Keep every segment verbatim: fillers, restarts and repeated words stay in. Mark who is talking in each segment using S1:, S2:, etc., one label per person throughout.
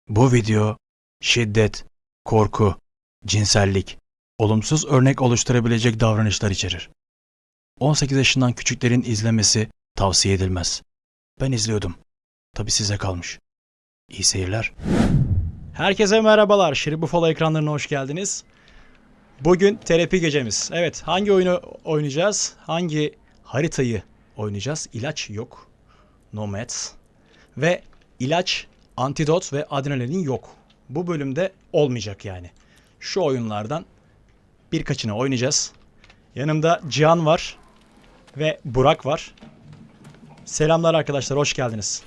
S1: Bu video şiddet, korku, cinsellik, olumsuz örnek oluşturabilecek davranışlar içerir. on sekiz yaşından küçüklerin izlemesi tavsiye edilmez. Ben izliyordum. Tabii size kalmış. İyi seyirler. Herkese merhabalar. Şirin Buffalo ekranlarına hoş geldiniz. Bugün terapi gecemiz. Evet, hangi oyunu oynayacağız? Hangi haritayı oynayacağız? İlaç yok. Nomads. Ve ilaç, antidot ve adrenalin yok. Bu bölümde olmayacak yani. Şu oyunlardan birkaçını oynayacağız. Yanımda Cihan var ve Burak var. Selamlar arkadaşlar, hoş geldiniz.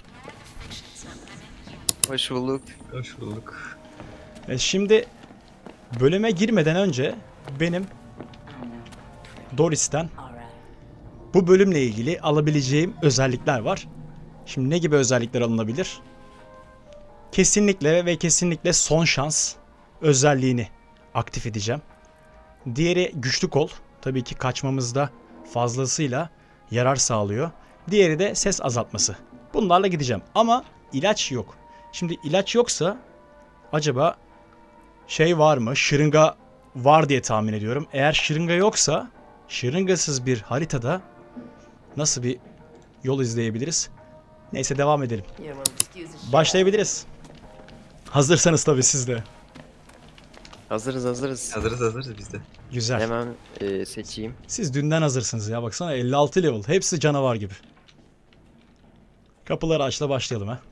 S2: Hoş bulduk.
S3: Hoş bulduk.
S1: E şimdi bölüme girmeden önce benim Doris'ten bu bölümle ilgili alabileceğim özellikler var. Şimdi ne gibi özellikler alınabilir? Kesinlikle ve kesinlikle son şans özelliğini aktif edeceğim. Diğeri güçlü kol. Tabii ki kaçmamızda fazlasıyla yarar sağlıyor. Diğeri de ses azaltması. Bunlarla gideceğim ama ilaç yok. Şimdi ilaç yoksa acaba şey var mı? Şırınga var diye tahmin ediyorum. Eğer şırınga yoksa şırıngasız bir haritada nasıl bir yol izleyebiliriz? Neyse devam edelim. Başlayabiliriz. Hazırsanız tabii siz de.
S2: Hazırız hazırız.
S3: Hazırız hazırız biz de.
S1: Güzel.
S2: Hemen e, seçeyim.
S1: Siz dünden hazırsınız ya. Baksana elli altı level. Hepsi canavar gibi. Kapıları açla başlayalım ha.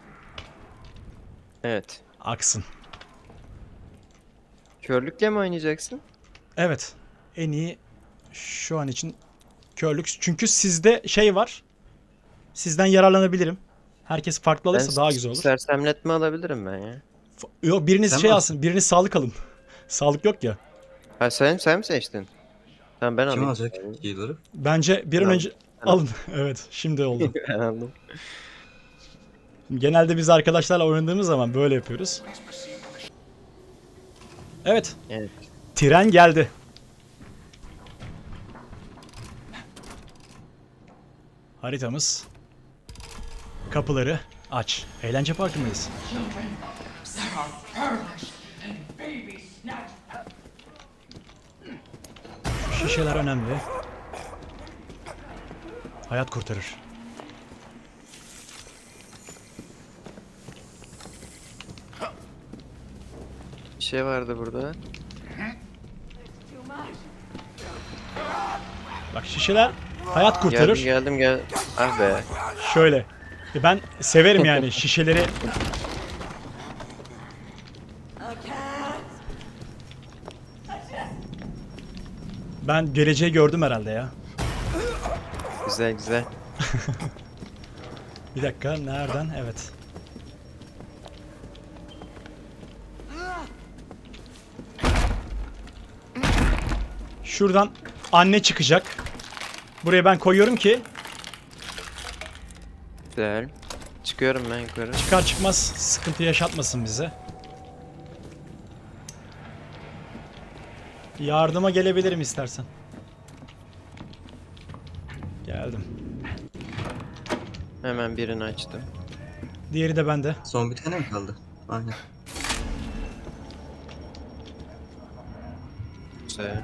S2: Evet.
S1: Aksın.
S2: Körlükle mi oynayacaksın?
S1: Evet. En iyi şu an için körlük. Çünkü sizde şey var. Sizden yararlanabilirim. Herkes farklı alırsa
S2: Ben
S1: daha güzel olur.
S2: sersemletme alabilirim ben ya.
S1: F- Yok biriniz
S3: Sen
S1: şey
S3: mi
S1: alsın. Biriniz sağlık alın. Sağlık yok ya.
S2: Ha sen sen mi seçtin? Tamam ben
S3: Kim
S2: alayım.
S3: alacak healer'ı?
S1: Bence bir an
S2: Tamam.
S1: önce alın. Evet. Şimdi oldu.
S2: Ben aldım.
S1: Genelde biz arkadaşlarla oynadığımız zaman böyle yapıyoruz. Evet.
S2: Evet.
S1: Tren geldi. Haritamız. Kapıları aç. Eğlence parkındayız. Şu şişeler önemli. Hayat kurtarır.
S2: Bir şey vardı burada.
S1: Bak şişeler hayat kurtarır.
S2: Geldim geldim gel. Ah be.
S1: Şöyle. E Ben severim yani şişeleri. Ben geleceği gördüm herhalde ya.
S2: Güzel güzel.
S1: Bir dakika nereden? Evet. Şuradan anne çıkacak. Buraya ben koyuyorum ki
S2: Güzel. Çıkıyorum ben yukarı.
S1: çıkar çıkmaz sıkıntı yaşatmasın bize. Yardıma gelebilirim istersen. Geldim.
S2: Hemen birini açtım.
S1: Diğeri de bende.
S3: Son bir tane mi kaldı? Aynen.
S2: Güzel.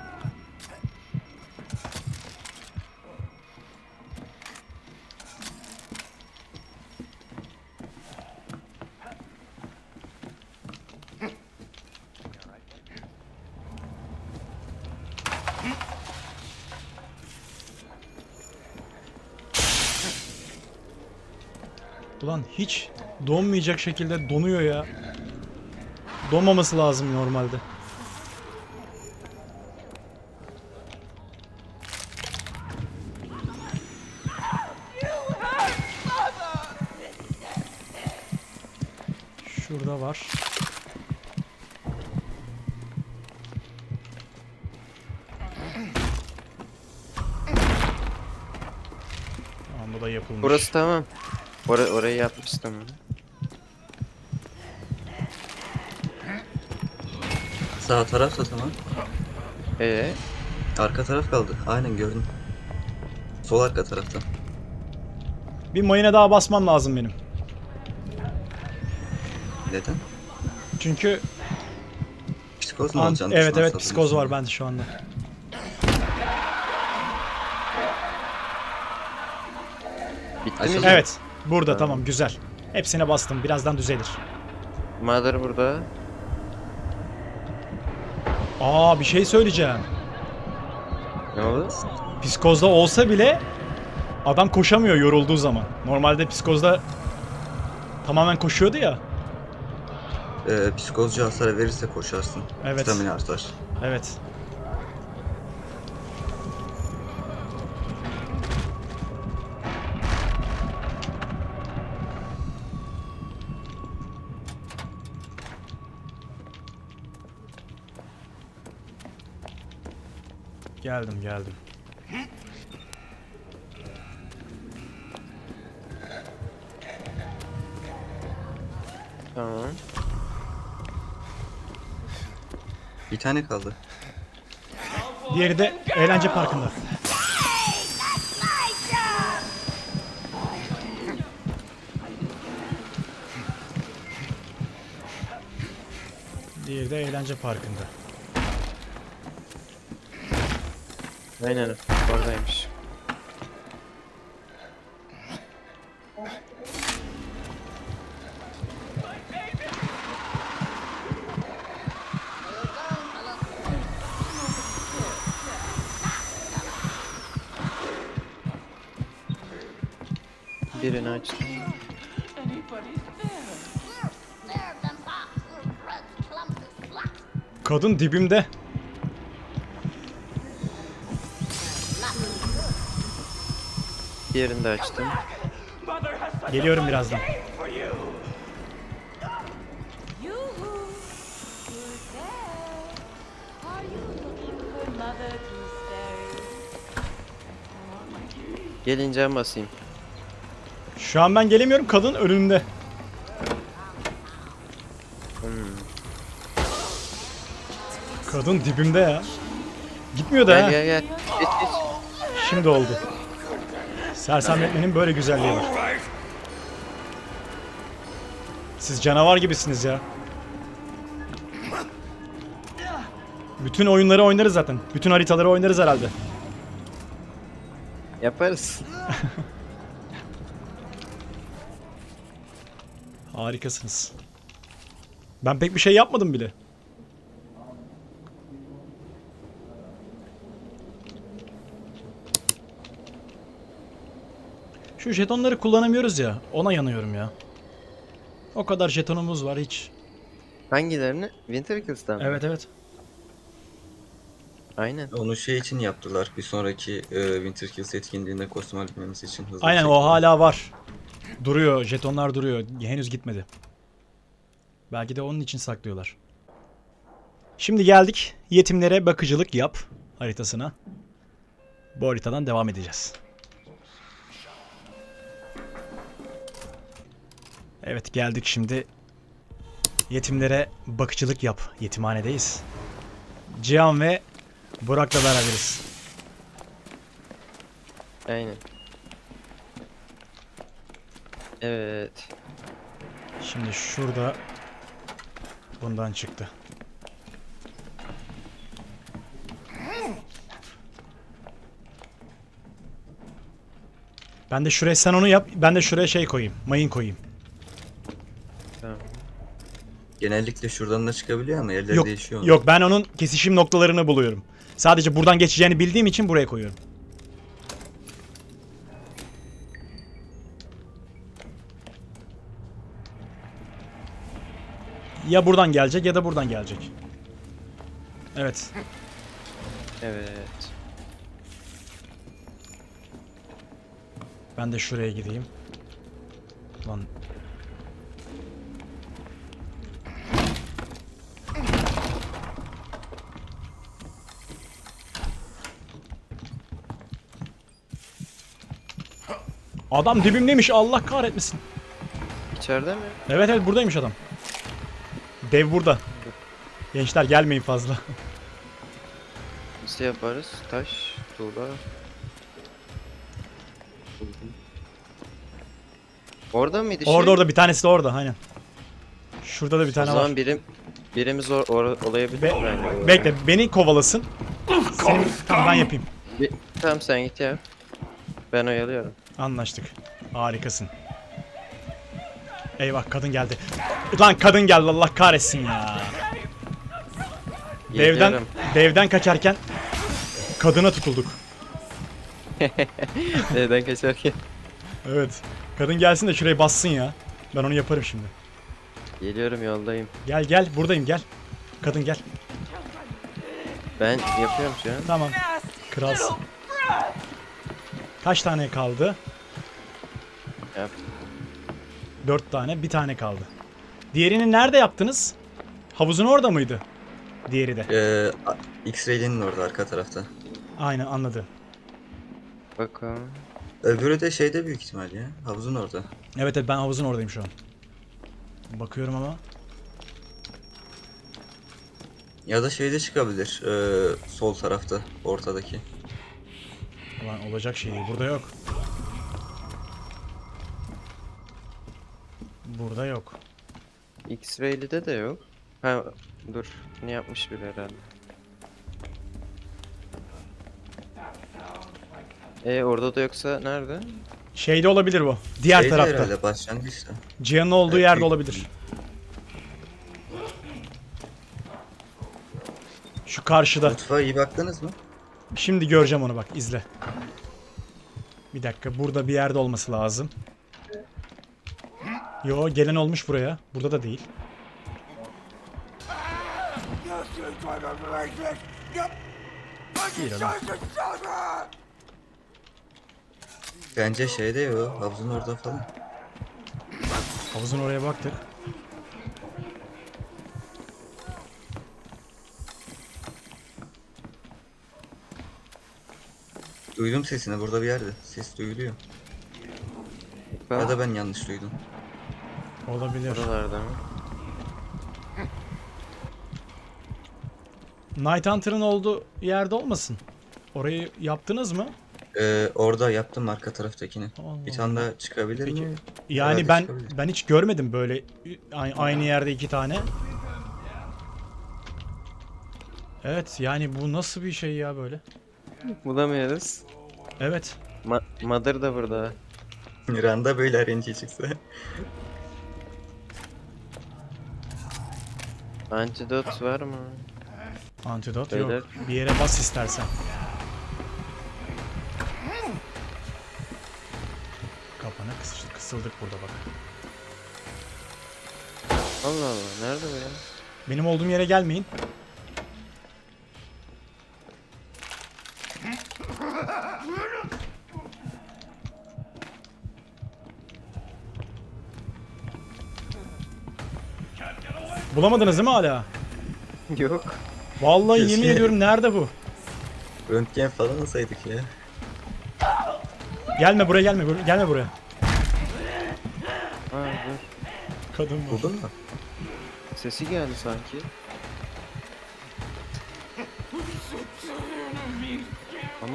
S1: Ulan hiç donmayacak şekilde donuyor ya. Donmaması lazım normalde. Şurada var. Tamam bu da yapılmış.
S2: Burası tamam. Or orayı yapmıştım.
S3: Sağ taraf da tamam.
S2: Ee,
S3: Arka taraf kaldı. Aynen gördüm. Sol arka tarafta.
S1: Bir mayına daha basmam lazım benim.
S3: Neden?
S4: çünkü
S3: Psikoz mu
S4: an-
S3: olacaksın?
S4: evet
S3: düşman
S4: evet
S3: saldırısı
S4: psikoz var
S3: mı?
S4: bende şu anda.
S2: Bitti
S3: Açıldı.
S2: mi?
S4: Evet. Burada
S2: Tamam.
S4: tamam güzel. Hepsine bastım. Birazdan düzelir.
S2: Mother burada.
S4: Aa bir şey söyleyeceğim.
S2: Ne oldu?
S4: Psikozda olsa bile adam koşamıyor yorulduğu zaman. Normalde psikozda tamamen koşuyordu ya.
S3: Ee, psikozcu hasar verirse koşarsın.
S4: Evet.
S3: Stamina artar.
S4: Evet. Geldim geldim.
S2: Tamam.
S3: Bir tane kaldı.
S4: Diğeri de eğlence parkında. Diğeri de eğlence parkında.
S2: Aynen oradaymış. Birini açtım.
S4: Kadın dibimde.
S2: Diğerini de açtım.
S4: Geliyorum birazdan.
S5: Yoo-hoo! Who's there? Are you looking for Mother Gooseberry?
S2: Gelince en basayım.
S4: Şu an ben gelemiyorum. Kadın önümde.
S2: Hmm.
S4: Kadın dibimde ya. Gitmiyor da
S2: Gel
S4: ha.
S2: gel gel. Geç geç.
S4: Şimdi oldu. Sersemletmenin böyle güzelliği var. Siz canavar gibisiniz ya. Bütün oyunları oynarız zaten. Bütün haritaları oynarız herhalde.
S2: Yaparız.
S4: Harikasınız. Ben pek bir şey yapmadım bile. Şu jetonları kullanamıyoruz ya. Ona yanıyorum ya. O kadar jetonumuz var hiç.
S2: Hangilerini? Winterkills'tan mı?
S4: Evet evet.
S2: Aynen.
S3: Onu şey için yaptılar. Bir sonraki e, Winter Kills etkinliğinde kostüm alabilmemiz için hızlı bir
S4: Aynen o
S3: şekilde.
S4: hala var. Duruyor. Jetonlar duruyor. Henüz gitmedi. Belki de onun için saklıyorlar. Şimdi geldik. Yetimlere bakıcılık yap haritasına. Bu haritadan devam edeceğiz. Evet geldik şimdi. Yetimlere bakıcılık yap. Yetimhanedeyiz. Cihan ve Burak'la beraberiz.
S2: Aynen. Evet.
S4: Şimdi şurada bundan çıktı. Ben de şuraya sen onu yap. Ben de şuraya şey koyayım. Mayın koyayım.
S2: Tamam.
S3: Genellikle şuradan da çıkabiliyor ama yerleri
S4: Yok.
S3: değişiyor. onun.
S4: Yok ben onun kesişim noktalarını buluyorum. Sadece buradan geçeceğini bildiğim için buraya koyuyorum. Ya buradan gelecek ya da buradan gelecek. Evet.
S2: Evet.
S4: Ben de şuraya gideyim. Lan. Adam dibimdeymiş Allah kahretmesin.
S2: İçeride mi?
S4: Evet evet buradaymış adam. Dev burada. Gençler gelmeyin fazla.
S2: Nasıl yaparız? Taş, tuğla. Orada mıydı şey?
S4: Orada orada bir tanesi de orada aynen. Şurada da bir
S2: O
S4: tane
S2: zaman
S4: var.
S2: birim birimiz or, or- olayabilir
S4: Be-
S2: bence.
S4: bekle beni kovalasın. Senin tamam ben yapayım.
S2: Bir, tamam sen git ya. Ben oyalıyorum.
S4: Anlaştık. Harikasın. Eyvah kadın geldi. Lan kadın geldi Allah kahretsin ya. Devden
S2: Geliyorum.
S4: devden kaçarken kadına tutulduk.
S2: Neden kaçarken?
S4: Evet. Kadın gelsin de şuraya bassın ya. Ben onu yaparım şimdi.
S2: Geliyorum yoldayım.
S4: Gel gel buradayım gel. Kadın gel.
S2: Ben yapıyorum şu an.
S4: Tamam. Kralsın. Kaç tane kaldı?
S2: Yap.
S4: Dört tane. Bir tane kaldı. Diğerini nerede yaptınız? Havuzun orada mıydı? Diğeri de.
S3: Ee, a- X-Ray'nin orada arka tarafta.
S4: Aynen anladım.
S2: Bakalım.
S3: Öbürü de şeyde büyük ihtimal ya. Havuzun orada.
S4: Evet evet ben havuzun oradayım şu an. Bakıyorum ama.
S3: Ya da şeyde çıkabilir. ee, sol tarafta. Ortadaki.
S4: Ulan olacak şey değil. Burada yok. Burada yok.
S2: X-Ray'li de yok. Ha dur. Ne yapmış biri herhalde. E orada da yoksa nerede?
S4: Şeyde olabilir bu. Diğer
S3: Şeyde
S4: tarafta.
S3: herhalde başlangıçta.
S4: Cihan'ın olduğu
S3: Evet,
S4: yerde
S3: büyük-
S4: olabilir. Şu karşıda.
S3: Mutfağa iyi baktınız mı?
S4: Şimdi göreceğim onu bak izle. Bir dakika burada bir yerde olması lazım. Yo gelen olmuş buraya. Burada da değil. Değil oğlum.
S3: Bence şeyde ya o. Havuzun orada falan.
S4: Havuzun oraya baktık.
S3: Duydum sesini burada bir yerde. Ses duyuluyor.
S2: Ben
S3: Ya da ben yanlış duydum.
S4: Olabilir.
S2: buralarda mı?
S4: Night Hunter'ın olduğu yerde olmasın. Orayı yaptınız mı?
S3: Ee, orada yaptım arka taraftakini.
S4: Allah
S3: Bir tane daha çıkabilir
S4: Peki.
S3: mi?
S4: Yani
S3: Herhalde
S4: ben
S3: çıkabilir.
S4: ben hiç görmedim böyle a- aynı yerde iki tane. Evet yani bu nasıl bir şey ya böyle?
S2: Bulamıyoruz.
S4: Evet.
S2: Ma Mother da burada.
S3: Randa böyle R N G çıksa.
S2: Antidot var mı?
S4: Antidot
S2: Beyler.
S4: yok. Bir yere bas istersen. Kapana kısıldık, kısıldık burada bak.
S2: Allah Allah nerede bu ya?
S4: Benim olduğum yere gelmeyin. Bulamadınız değil mi hala?
S2: Yok.
S4: Vallahi yemin
S3: Keşke-
S4: ediyorum nerede bu?
S3: Röntgen falan alsaydık ya.
S4: Gelme buraya gelme bur- gelme buraya.
S2: Ha dur.
S4: Kadın bu.
S3: Buldun mu?
S2: Sesi geldi sanki. Ama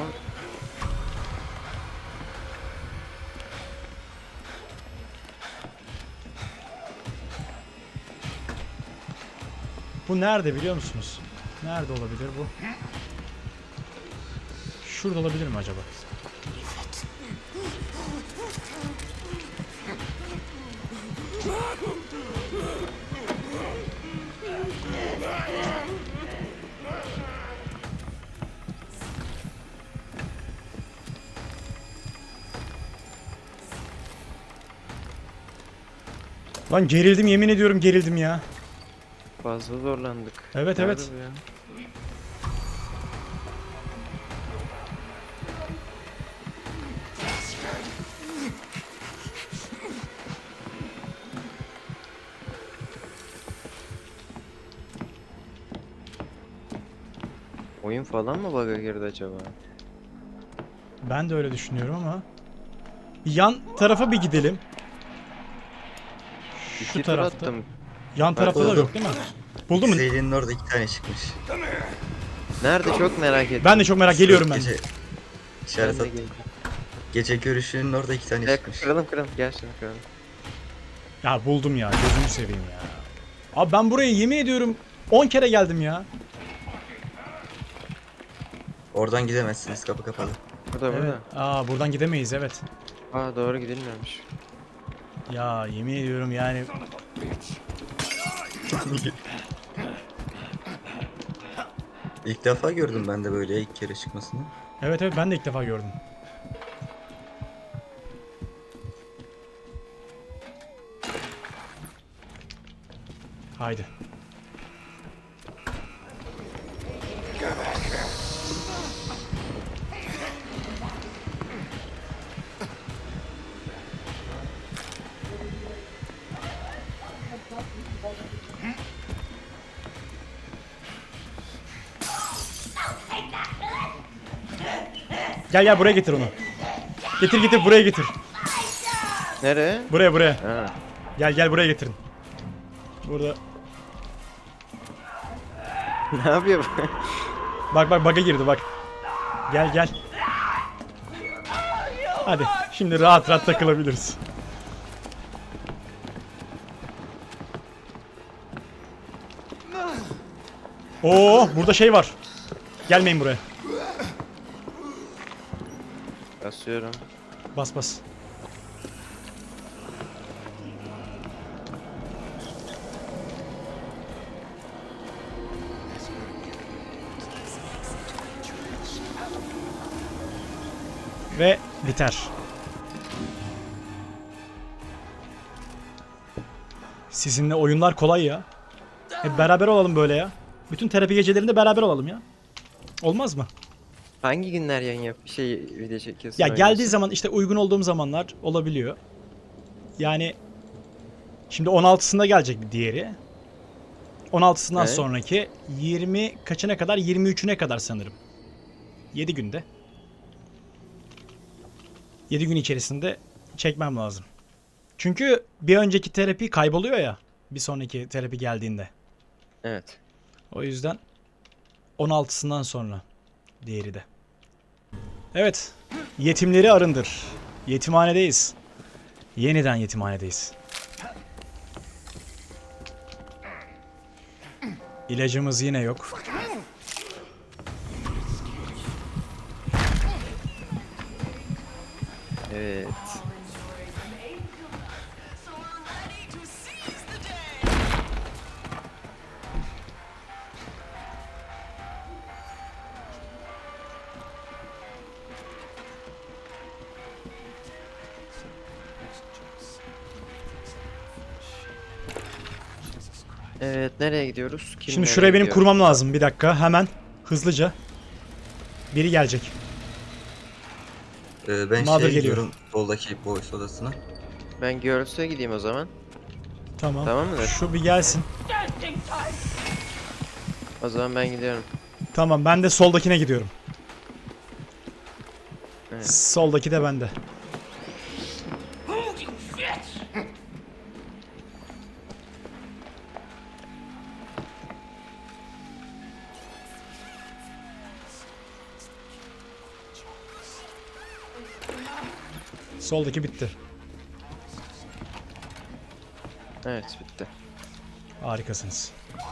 S4: Bu nerede biliyor musunuz? Nerede olabilir bu? Şurada olabilir mi acaba? Lan gerildim yemin ediyorum gerildim ya.
S2: fazla zorlandık.
S4: Evet,
S2: Nerede
S4: evet.
S2: bu ya? Oyun falan mı bug'a girdi acaba?
S4: Ben de öyle düşünüyorum ama. Yan tarafa bir gidelim. Şu
S2: İki tur
S4: tarafta.
S2: attım.
S4: Yan tarafta da
S3: buldum.
S4: yok değil mi? Buldun mu?
S3: X-Ray'nin orada iki tane çıkmış.
S2: Nerede çok merak ettim.
S4: Ben de çok merak geliyorum ben.
S3: Gece,
S2: Ben
S3: işaret
S2: de
S3: at.
S2: geleceğim.
S3: Gece görüşünün orada iki tane
S2: Ya,
S3: çıkmış.
S2: kıralım kıralım gel şimdi kıralım.
S4: Ya buldum ya gözünü seveyim ya. Abi ben buraya yemin ediyorum on kere geldim ya.
S3: Oradan gidemezsiniz, kapı kapalı.
S2: Bu da
S4: Evet.
S2: burada.
S4: Aa buradan gidemeyiz evet.
S2: Aa doğru gidilmiyormuş.
S4: Ya yemin ediyorum yani.
S3: İlk defa gördüm ben de böyle ilk kere çıkmasını.
S4: Evet evet ben de ilk defa gördüm. Haydi. Gel gel buraya getir onu. Getir getir buraya getir.
S2: Nereye?
S4: Buraya buraya.
S2: Ha.
S4: Gel gel buraya getirin. Burada.
S2: Ne yapıyor bu?
S4: Bak bak bug'a girdi bak. Gel gel. Hadi şimdi rahat rahat takılabiliriz. Oo burada şey var. Gelmeyin buraya.
S2: Basıyorum.
S4: Bas bas. Ve biter. Sizinle oyunlar kolay ya. Hep beraber olalım böyle ya. Bütün terapi gecelerinde beraber olalım ya. Olmaz mı?
S2: Hangi günler yayın yap şey video çekiyorsun?
S4: Ya
S2: oynuyorsun?
S4: geldiği zaman işte uygun olduğum zamanlar olabiliyor. Yani şimdi on altısında gelecek bir diğeri. on altısından
S2: Evet.
S4: sonraki yirmi kaçına kadar? yirmi üçüne kadar sanırım. yedi günde. yedi gün içerisinde çekmem lazım. Çünkü bir önceki terapi kayboluyor ya. Bir sonraki terapi geldiğinde.
S2: Evet.
S4: O yüzden on altısından sonra diğeri de. Evet. Yetimleri arındır. Yetimhanedeyiz. Yeniden yetimhanedeyiz. İlacımız yine yok.
S2: Evet. Evet, nereye gidiyoruz? Kim
S4: Şimdi
S2: nereye
S4: şuraya benim
S2: gidiyor?
S4: kurmam lazım bir dakika. Hemen. Hızlıca. Biri gelecek.
S3: Ee, ben
S4: Mother
S3: şeye
S4: geliyor.
S3: gidiyorum, soldaki boys odasına.
S2: Ben Girls'e gideyim o zaman.
S4: Tamam.
S2: Tamam mı?
S4: Şu bir gelsin.
S2: O zaman ben gidiyorum.
S4: Tamam ben de soldakine gidiyorum.
S2: Evet.
S4: Soldaki de bende. Soldaki bitti.
S2: Evet, bitti.
S4: Harikasınız.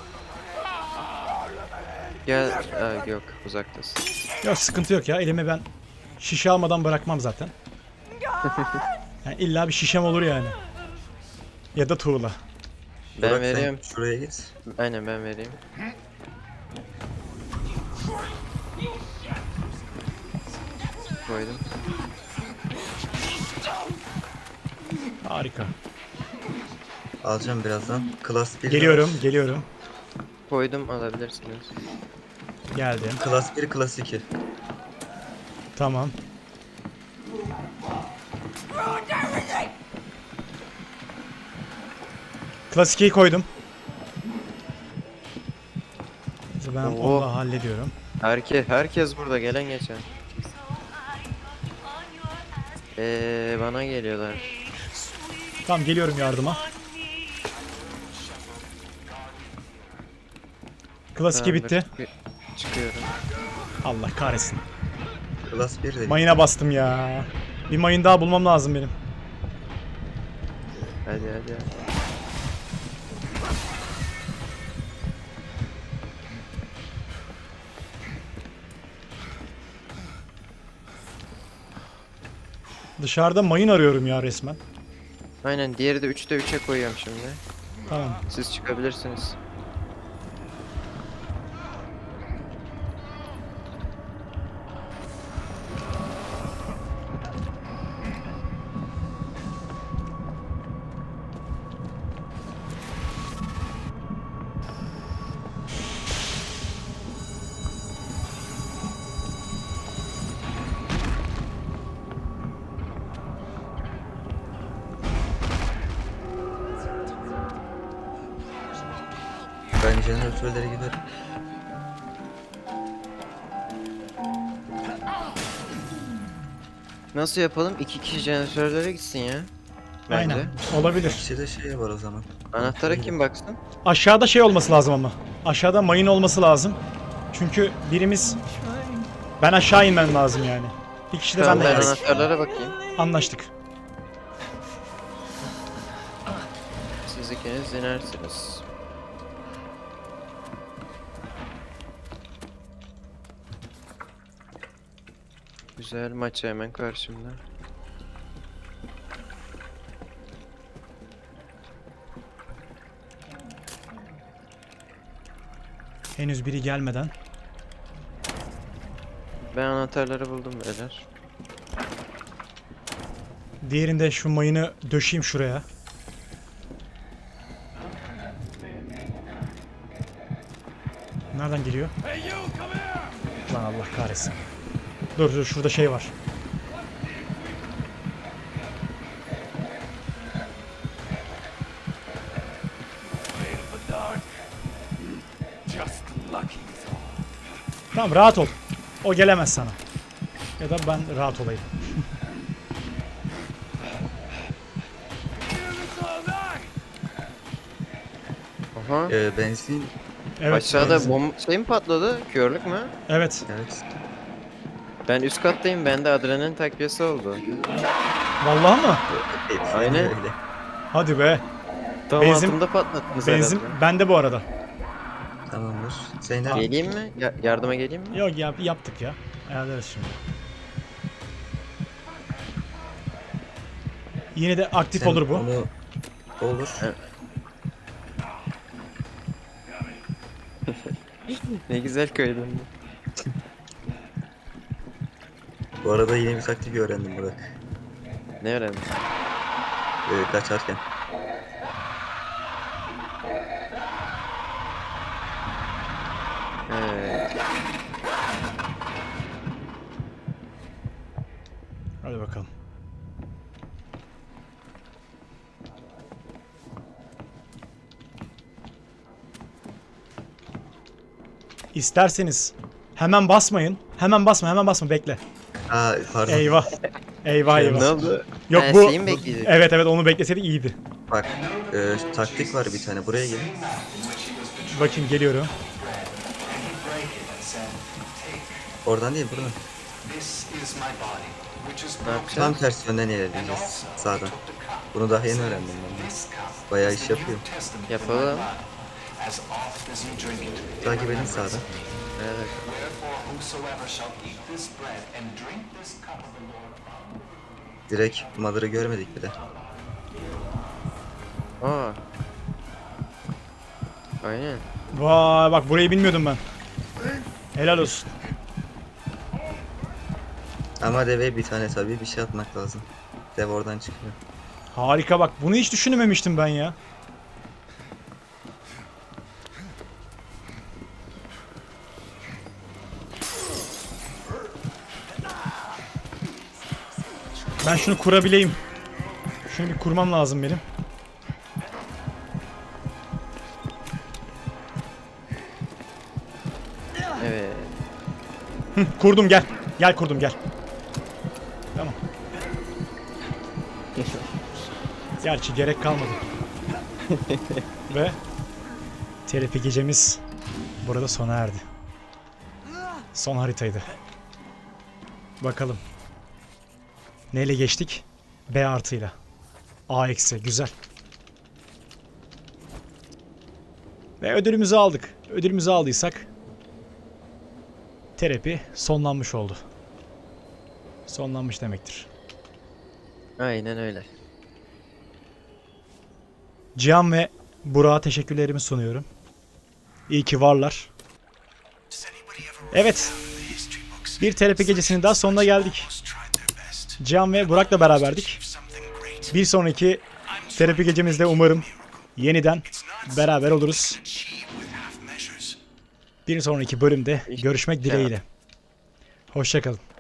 S2: Gel. Aa, yok, uzaktasın.
S4: Yok sıkıntı yok ya. Elime ben şişe almadan bırakmam zaten. Yani illa bir şişem olur yani. Ya da tuğla.
S2: Ben
S3: Burak, sen
S2: vereyim.
S3: şuraya git.
S2: Aynen ben vereyim. Koydum.
S4: Harika.
S3: Alacağım birazdan. Class bir.
S4: Geliyorum, geliyorum.
S2: Koydum, alabilirsiniz.
S4: Geldim.
S3: Class bir, Class iki.
S4: Tamam. Klasikeyi koydum. Ben
S2: Oo.
S4: onu da hallediyorum.
S2: Herkes, herkes burada, gelen geçen. Eee bana geliyorlar.
S4: Tamam geliyorum yardıma. Klasiki
S2: Tamamdır,
S4: bitti.
S2: çıkı- Çıkıyorum.
S4: Allah kahretsin.
S3: Class bir de.
S4: Mayına bastım ya. Bir mayın daha bulmam lazım benim.
S2: Hadi hadi. hadi.
S4: Dışarıda mayın arıyorum ya resmen.
S2: Aynen, diğeri de üçte üçe koyuyorum şimdi.
S4: Tamam.
S2: Siz çıkabilirsiniz.
S3: Ben jeneratörlere giderim.
S2: Nasıl yapalım? İki kişi jeneratörlere gitsin ya. Bence.
S4: Aynen. Olabilir.
S3: İkisi de şey var o zaman.
S2: Anahtara kim baksın?
S4: Aşağıda şey olması lazım ama. Aşağıda mayın olması lazım. Çünkü birimiz... Ben aşağı inmem lazım yani. Bir kişi de
S2: Tamam,
S4: benden
S2: ben
S4: gelsin.
S2: anahtarlara bakayım.
S4: Anlaştık.
S2: Siz ikiniz inersiniz. Güzel, maç hemen karşımda.
S4: Henüz biri gelmeden.
S2: Ben anahtarları buldum beyler.
S4: Diğerinde şu mayını döşeyim şuraya. Nereden geliyor? Lan Allah kahretsin. Dur dur, şurada şey var. Tamam, rahat ol. O gelemez sana. Ya da ben rahat olayım.
S2: Aha.
S3: Ee, benzin,
S4: Evet.
S2: Aşağıda
S4: benzin.
S2: bom şey mi patladı? Körlük mü?
S4: Evet.
S3: evet.
S2: Ben üst kattayım. Bende adrenalin takviyesi oldu.
S4: Vallahi mı?
S3: Hepsi
S2: Aynen.
S3: öyle.
S4: Hadi be.
S2: Tam
S4: Benzin-
S2: altımda patlattınız
S4: Benzin
S2: herhalde.
S4: bende bu arada.
S3: Tamamdır. Zeynep.
S2: Geleyim mi? Ya- yardıma geleyim mi?
S4: Yok ya, yaptık ya. Ayarlarız şimdi. Yine de aktif
S3: sen
S4: olur bu.
S3: Onu... Olur.
S2: Evet. Ne güzel köydün.
S3: Bu arada yeni bir taktik öğrendim Burak.
S2: Ne öğrendin?
S3: Ee, kaçarken.
S2: Evet.
S4: Hadi bakalım. İsterseniz hemen basmayın. Hemen basma, hemen basma, bekle.
S3: Aa pardon.
S4: Eyvah. Eyvah eyvah.
S2: Ne oldu?
S4: Yok
S2: Ha,
S4: bu.
S2: şeyi mi bekleyecek?
S4: Evet evet, onu bekleseydik iyiydi.
S3: Bak e, taktik var bir tane. Buraya gelin.
S4: Bakayım, geliyorum.
S3: Oradan değil buradan.
S2: Ne yapacağız?
S3: Tam tersi yönden ilerleyeceğiz. Sağdan. Bunu daha yeni öğrendim ben. de. Bayağı iş yapıyor.
S2: Yapalım.
S3: Takip edin sağdan.
S2: Evet.
S3: Direkt Mother'ı görmedik bile.
S2: Aa. Aynen.
S4: Vay bak, burayı bilmiyordum ben. Helal olsun.
S3: Ama deve bir tane tabii bir şey atmak lazım. Dev oradan çıkıyor.
S4: Harika bak, bunu hiç düşünmemiştim ben ya. Ben şunu kurabileyim. Şunu bir kurmam lazım benim.
S2: Evet.
S4: Hı, kurdum, gel. Gel kurdum, gel. Tamam. Gerçi gerek kalmadı. Ve terapi gecemiz burada sona erdi. Son haritaydı. Bakalım. Neyle geçtik? B artıyla. A eksi. Güzel. Ve ödülümüzü aldık. Ödülümüzü aldıysak terapi sonlanmış oldu. Sonlanmış demektir.
S2: Aynen öyle.
S4: Cihan ve Burak'a teşekkürlerimi sunuyorum. İyi ki varlar. Evet. Bir terapi gecesinin daha sonuna geldik. Cihan ve Burak'la beraberdik. Bir sonraki terapi gecemizde umarım yeniden beraber oluruz. Bir sonraki bölümde görüşmek dileğiyle. Hoşça kalın.